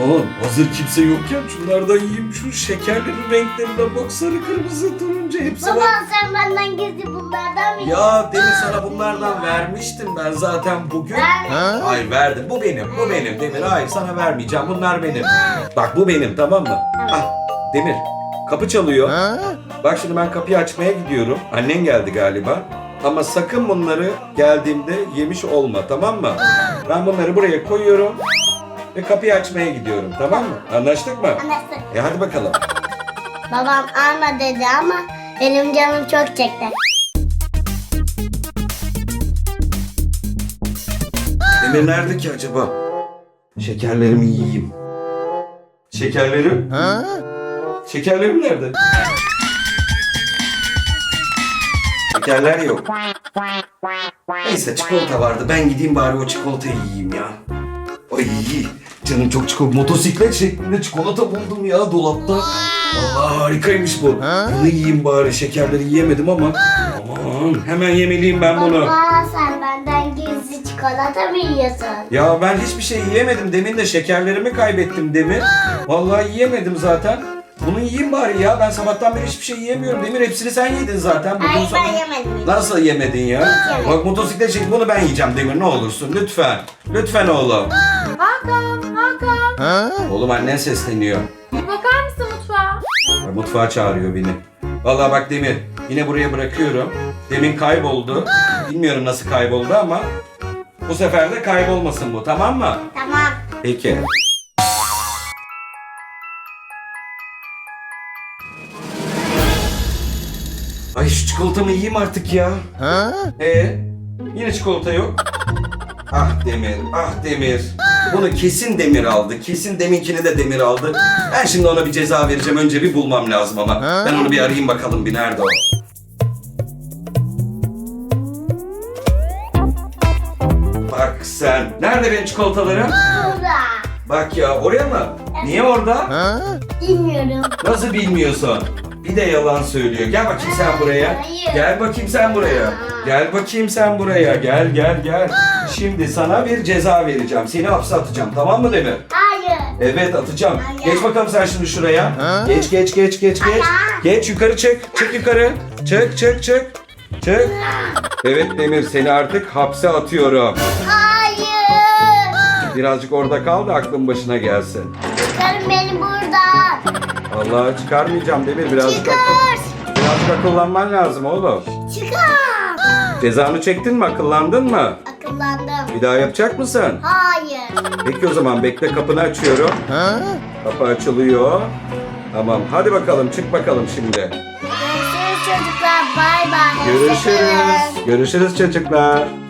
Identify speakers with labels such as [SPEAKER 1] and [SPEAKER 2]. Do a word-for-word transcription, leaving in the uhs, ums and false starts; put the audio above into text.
[SPEAKER 1] Aman hazır kimse yokken şunlardan yiyeyim. Şu şekerlerin renklerine bak, sarı kırmızı turuncu hepsi
[SPEAKER 2] Baba
[SPEAKER 1] var.
[SPEAKER 2] sen benden gizli bunlardan mı?
[SPEAKER 1] Ya Demir, sana bunlardan vermiştim ben zaten bugün.
[SPEAKER 2] Ben...
[SPEAKER 1] Hayır verdim, bu benim, bu benim Demir. Hayır sana vermeyeceğim, bunlar benim. Bak bu benim, tamam mı? Ah, Demir, kapı çalıyor. Bak şimdi ben kapıyı açmaya gidiyorum. Annen geldi galiba. Ama sakın bunları geldiğimde yemiş olma, tamam mı? Ben bunları buraya koyuyorum ve kapıyı açmaya gidiyorum, tamam mı? Anlaştık mı?
[SPEAKER 2] Anlaştık.
[SPEAKER 1] E hadi bakalım.
[SPEAKER 2] Babam alma dedi ama benim canım çok çekti.
[SPEAKER 1] Demir nerede ki acaba? Şekerlerimi yiyeyim. Şekerlerim? Şekerlerim nerede? Şekerler yok. Neyse çikolata vardı. Ben gideyim bari o çikolatayı yiyeyim ya. Ay canım çok çikolata. Motosiklet şeklinde çikolata buldum ya dolapta. Allah harikaymış bu. Bunu yiyeyim bari. Şekerleri yiyemedim ama. Aman hemen yemeliyim ben bunu.
[SPEAKER 2] Baba sen benden gizli çikolata mı yiyorsun?
[SPEAKER 1] Ya ben hiçbir şey yiyemedim. Demin de şekerlerimi kaybettim Demir. Vallahi yiyemedim zaten. Bunu yiyeyim bari ya. Ben sabahtan beri hiçbir şey yiyemiyorum. Demir hepsini sen yedin zaten. Bugün
[SPEAKER 2] Hayır
[SPEAKER 1] sana...
[SPEAKER 2] ben yemedim.
[SPEAKER 1] Nasıl yemedin ya?
[SPEAKER 2] yemedim.
[SPEAKER 1] Bak motosiklet çek, bunu ben yiyeceğim Demir, ne olursun lütfen. Lütfen oğlum.
[SPEAKER 3] Hakan, Hakan.
[SPEAKER 1] Oğlum annen sesleniyor.
[SPEAKER 3] Bir bakar mısın mutfağa?
[SPEAKER 1] Ya, mutfağa çağırıyor beni. Vallahi bak Demir, yine buraya bırakıyorum. Demin kayboldu. Bilmiyorum nasıl kayboldu ama bu sefer de kaybolmasın bu, tamam mı?
[SPEAKER 2] Tamam.
[SPEAKER 1] Peki. Ay şu çikolatamı yiyeyim artık ya. Ee, yine çikolata yok. Ah Demir, ah Demir. Bunu kesin Demir aldı. Kesin deminkini de Demir aldı. Ben şimdi ona bir ceza vereceğim. Önce bir bulmam lazım ama. Ben onu bir arayayım bakalım bir, nerede o? Bak sen. Nerede benim çikolatalarım?
[SPEAKER 2] Burada.
[SPEAKER 1] Bak ya, oraya mı? Niye orada?
[SPEAKER 2] Bilmiyorum.
[SPEAKER 1] Nasıl bilmiyorsun? Bir de yalan söylüyor. Gel bakayım sen buraya.
[SPEAKER 2] Hayır.
[SPEAKER 1] Gel bakayım sen buraya. Gel bakayım sen buraya. Gel gel gel. Şimdi sana bir ceza vereceğim. Seni hapse atacağım, tamam mı Demir?
[SPEAKER 2] Hayır.
[SPEAKER 1] Evet atacağım.
[SPEAKER 2] Hayır.
[SPEAKER 1] Geç bakalım sen şimdi şuraya. Geç geç geç geç geç.
[SPEAKER 2] Hayır.
[SPEAKER 1] Geç yukarı çık. Çık yukarı. Çık çık çık. Çık. Evet Demir, seni artık hapse atıyorum.
[SPEAKER 2] Hayır.
[SPEAKER 1] Birazcık orada kal da aklın başına gelsin.
[SPEAKER 2] Çıkarın beni buradan.
[SPEAKER 1] Vallahi çıkarmayacağım Demir. Birazcık,
[SPEAKER 2] Çıkar.
[SPEAKER 1] akıl, birazcık akıllanman lazım oğlum.
[SPEAKER 2] Çıkar.
[SPEAKER 1] Cezanı çektin mi? Akıllandın mı?
[SPEAKER 2] Akıllandım.
[SPEAKER 1] Bir daha yapacak mısın?
[SPEAKER 2] Hayır.
[SPEAKER 1] Peki o zaman bekle, kapını açıyorum. Kapı açılıyor. Tamam hadi bakalım, çık bakalım şimdi.
[SPEAKER 2] Görüşürüz çocuklar. Bay bay.
[SPEAKER 1] Görüşürüz. Görüşürüz çocuklar.